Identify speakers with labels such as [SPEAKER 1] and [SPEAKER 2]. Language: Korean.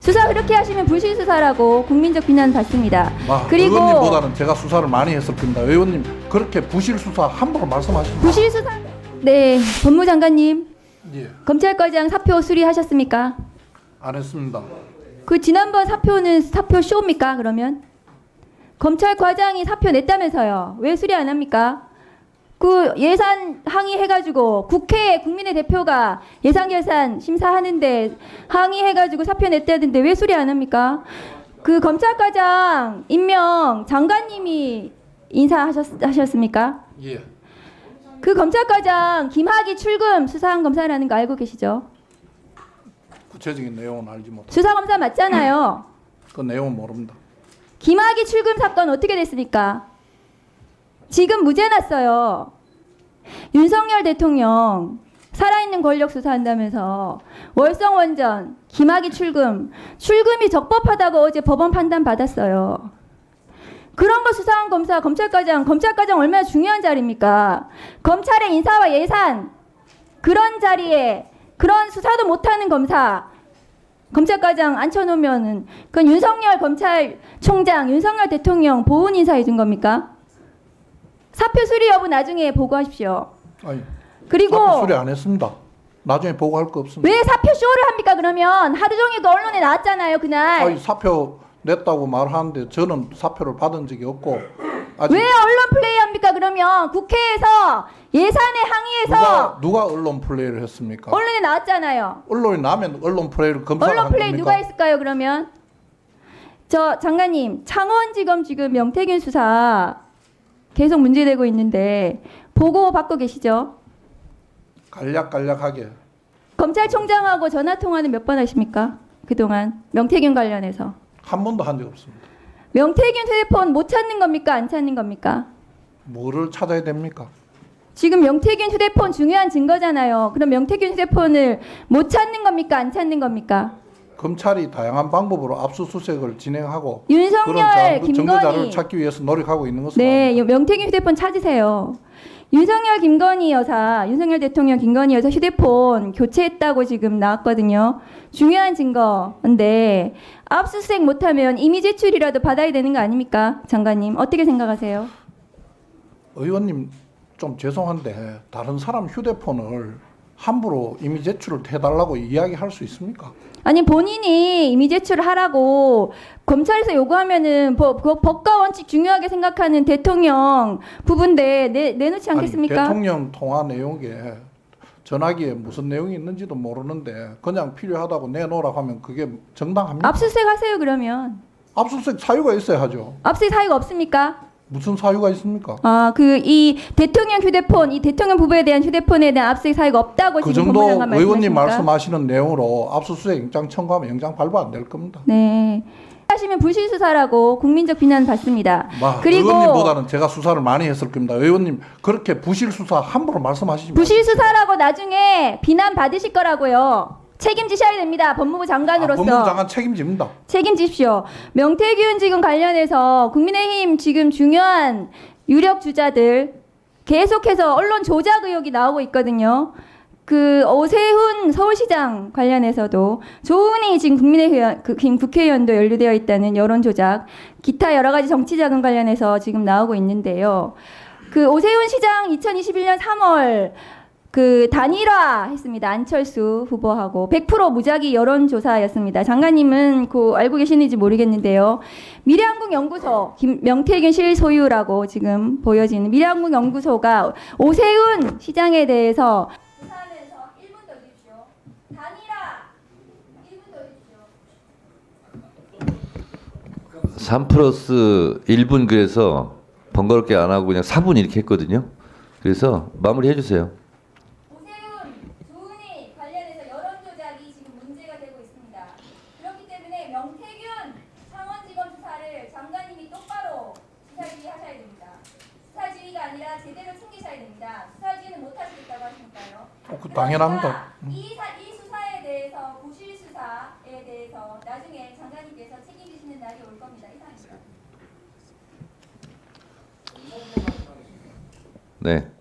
[SPEAKER 1] 수사 그렇게 하시면 불실 수사라고 국민적 비난 받습니다. 그리고
[SPEAKER 2] 의원님보다는 제가 수사를 많이 했을 겁니다. 의원님 그렇게 부실 수사 함부로 말씀하십니다.
[SPEAKER 1] 부실 수사. 네, 법무장관님.
[SPEAKER 2] 예,
[SPEAKER 1] 검찰과장 사표 수리하셨습니까?
[SPEAKER 2] 안 했습니다.
[SPEAKER 1] 그 지난번 사표는 사표 쇼입니까? 그러면 검찰과장이 사표 냈다면서요. 왜 수리 안 합니까? 그 예산 항의해가지고 국회에 국민의 대표가 예산결산 심사하는데 항의해가지고 사표 냈다던데 왜 수리 안 합니까? 그 검찰과장 임명 장관님이 인사하셨습니까?
[SPEAKER 2] 예,
[SPEAKER 1] 그 검찰과장 김학의 출금 수사한 검사라는 거 알고 계시죠?
[SPEAKER 2] 구체적인 내용은 알지 못합니다.
[SPEAKER 1] 수사검사 맞잖아요.
[SPEAKER 2] 그 내용은 모릅니다.
[SPEAKER 1] 김학의 출금 사건 어떻게 됐습니까? 지금 무죄 났어요. 윤석열 대통령 살아있는 권력 수사한다면서 월성원전, 김학의 출금이 적법하다고 어제 법원 판단 받았어요. 그런 거 수사한 검사, 검찰과장 얼마나 중요한 자리입니까? 검찰의 인사와 예산 그런 자리에 그런 수사도 못하는 검찰과장 앉혀놓으면은 그건 윤석열 검찰총장, 윤석열 대통령 보훈 인사해 준 겁니까? 사표 수리 여부 나중에 보고하십시오.
[SPEAKER 2] 아니,
[SPEAKER 1] 그리고
[SPEAKER 2] 사표 수리 안 했습니다. 나중에 보고할 거 없습니다.
[SPEAKER 1] 왜 사표 쇼를 합니까? 그러면 하루 종일 그 언론에 나왔잖아요, 그날.
[SPEAKER 2] 아니, 사표 냈다고 말하는데 저는 사표를 받은 적이 없고 아직
[SPEAKER 1] 왜 언론 플레이합니까? 그러면 국회에서 예산에 항의해서
[SPEAKER 2] 누가 언론 플레이를 했습니까?
[SPEAKER 1] 언론에 나왔잖아요.
[SPEAKER 2] 언론이 나면 언론 플레이를 검사가
[SPEAKER 1] 언론
[SPEAKER 2] 한
[SPEAKER 1] 플레이
[SPEAKER 2] 겁니까?
[SPEAKER 1] 누가 했을까요? 그러면 저 장관님 창원지검 지금 명태균 수사 계속 문제되고 있는데 보고 받고 계시죠?
[SPEAKER 2] 간략간략하게
[SPEAKER 1] 검찰총장하고 전화 통화는 몇 번 하십니까? 그동안 명태균 관련해서
[SPEAKER 2] 한 번도 한 적 없습니다.
[SPEAKER 1] 명태균 휴대폰 못 찾는 겁니까? 안 찾는 겁니까?
[SPEAKER 2] 뭐를 찾아야 됩니까?
[SPEAKER 1] 지금 명태균 휴대폰 중요한 증거잖아요. 그럼 명태균 휴대폰을 못 찾는 겁니까? 안 찾는 겁니까?
[SPEAKER 2] 검찰이 다양한 방법으로 압수수색을 진행하고
[SPEAKER 1] 윤석열,
[SPEAKER 2] 그런 증거자료를
[SPEAKER 1] 김건희.
[SPEAKER 2] 찾기 위해서 노력하고 있는 것으로
[SPEAKER 1] 네,
[SPEAKER 2] 압니다.
[SPEAKER 1] 명태균 휴대폰 찾으세요. 윤석열 대통령 김건희 여사 휴대폰 교체했다고 지금 나왔거든요. 중요한 증거인데 압수수색 못하면 이미 제출이라도 받아야 되는 거 아닙니까? 장관님 어떻게 생각하세요?
[SPEAKER 2] 의원님 좀 죄송한데 다른 사람 휴대폰을 함부로 이미 제출을 해달라고 이야기할 수 있습니까?
[SPEAKER 1] 아니 본인이 이미 제출을 하라고 검찰에서 요구하면은 법과 원칙 중요하게 생각하는 대통령 부분인데 내놓지 않겠습니까?
[SPEAKER 2] 아니, 대통령 통화 내용에 전화기에 무슨 내용이 있는지도 모르는데 그냥 필요하다고 내놓으라고 하면 그게 정당합니까?
[SPEAKER 1] 압수수색 하세요 그러면.
[SPEAKER 2] 압수수색 사유가 있어야 하죠.
[SPEAKER 1] 압수수색 사유가 없습니까?
[SPEAKER 2] 무슨 사유가 있습니까?
[SPEAKER 1] 아, 이 대통령 휴대폰, 이 대통령 부부에 대한 휴대폰에 대한 압수수색 사유가 없다고
[SPEAKER 2] 그
[SPEAKER 1] 지금
[SPEAKER 2] 정도
[SPEAKER 1] 법무장관
[SPEAKER 2] 의원님
[SPEAKER 1] 말씀하십니까?
[SPEAKER 2] 말씀하시는 내용으로 압수수색 영장 청구하면 영장 발부 안 될 겁니다.
[SPEAKER 1] 네. 하시면 불실 수사라고 국민적 비난 받습니다. 그리고
[SPEAKER 2] 의원님보다는 제가 수사를 많이 했을 겁니다. 의원님 그렇게 부실 수사 함부로 말씀하시지 마십시오.
[SPEAKER 1] 부실 수사라고 나중에 비난 받으실 거라고요. 책임지셔야 됩니다. 법무부 장관으로서.
[SPEAKER 2] 법무부 장관 책임집니다.
[SPEAKER 1] 책임지십시오. 명태균 지금 관련해서 국민의힘 지금 중요한 유력 주자들 계속해서 언론 조작 의혹이 나오고 있거든요. 그 오세훈 서울시장 관련해서도 조은희 지금 국회의원도 연루되어 있다는 여론 조작, 기타 여러 가지 정치 자금 관련해서 지금 나오고 있는데요. 그 오세훈 시장 2021년 3월 그 단일화 했습니다. 안철수 후보하고 100% 무작위 여론조사였습니다. 장관님은 그 알고 계시는지 모르겠는데요. 미래한국연구소 명태균 실소유라고 지금 보여지는 미래한국연구소가 오세훈 시장에 대해서 조사하면서 1분 더 주십시오. 단일화 1분 더 주십시오.
[SPEAKER 3] 3 플러스 1분 그래서 번거롭게 안 하고 그냥 4분 이렇게 했거든요. 그래서 마무리 해주세요.
[SPEAKER 1] 오세훈, 조은희 관련해서 여론 조작이 지금 문제가 되고 있습니다. 그렇기 때문에 명태균 창원지검 수사를 장관님이 똑바로 수사지휘하셔야 됩니다. 수사지휘가 아니라 제대로 챙기셔야 됩니다. 수사지휘는 못 하시겠다고 하시니까요.
[SPEAKER 2] 그 당연합니다.
[SPEAKER 1] 이 수사에 대해서 부실 수사에 대해서 나중에 장관님께서 책임지시는 날이 올 겁니다. 이상입니다.
[SPEAKER 3] 네.